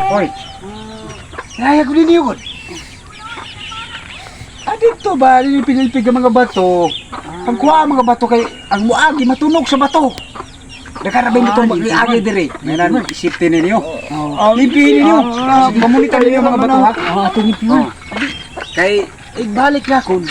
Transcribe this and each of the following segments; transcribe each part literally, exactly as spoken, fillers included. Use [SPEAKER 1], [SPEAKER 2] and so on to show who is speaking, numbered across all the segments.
[SPEAKER 1] Oy. Naya ko din yun. Ah, dito ba, pinilpig ang mga bato. Ang kuha ang mga bato kay, ang muagi matunog sa bato. Nakarabing dito mag-iagi dire. Ngayon, isipin ninyo. Lipihin ninyo. Mamunitan ninyo ang mga bato, ha?
[SPEAKER 2] Ah, ito ni Piyon.
[SPEAKER 1] Kay, ibalik na kun.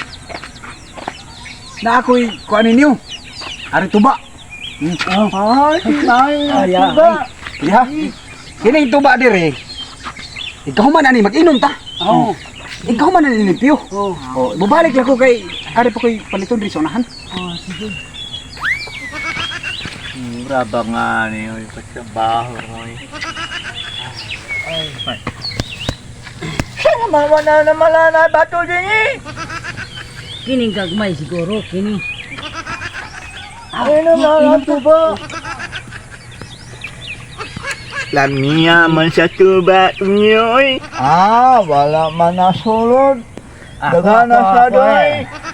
[SPEAKER 1] Na ako'y kuha ninyo. Ari tuba.
[SPEAKER 2] Ay, ay, ay,
[SPEAKER 1] Ya. Kini tuba dire. Ikaw man ani mag-inom ta.
[SPEAKER 2] Oo.
[SPEAKER 1] Ikaw man ani limpyo.
[SPEAKER 2] Oo.
[SPEAKER 1] Oh, bubalik lang ko kay ari pa koy paliton diri sa unahan.
[SPEAKER 2] Ah, sige.
[SPEAKER 3] Mura ba nga niyo yung pagkabaho mo eh. Ay,
[SPEAKER 2] Sana mawala na malana bato din eh.
[SPEAKER 4] Kining gagmay siguro, kini.
[SPEAKER 2] Ay, naman ito ba?
[SPEAKER 3] lamiya man sa tuba niyo eh.
[SPEAKER 2] Ah, wala man nasulod. Daga na sa doy.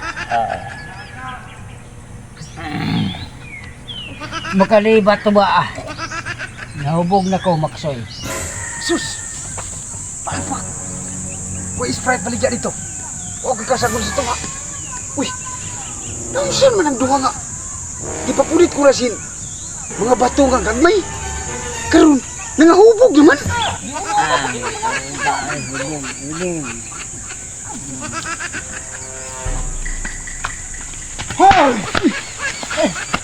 [SPEAKER 4] Makalibat to ba ah? Nahubog na ko, Maksoy.
[SPEAKER 1] Sus. Palpak. Koy Sprite baligya dito. Okay ka sa sa tunga. Uy. Nausan man ang duha nga. Di pa pulit ko rasin. Mga bato nga gagmay. Karon nangahubog naman. Hoy!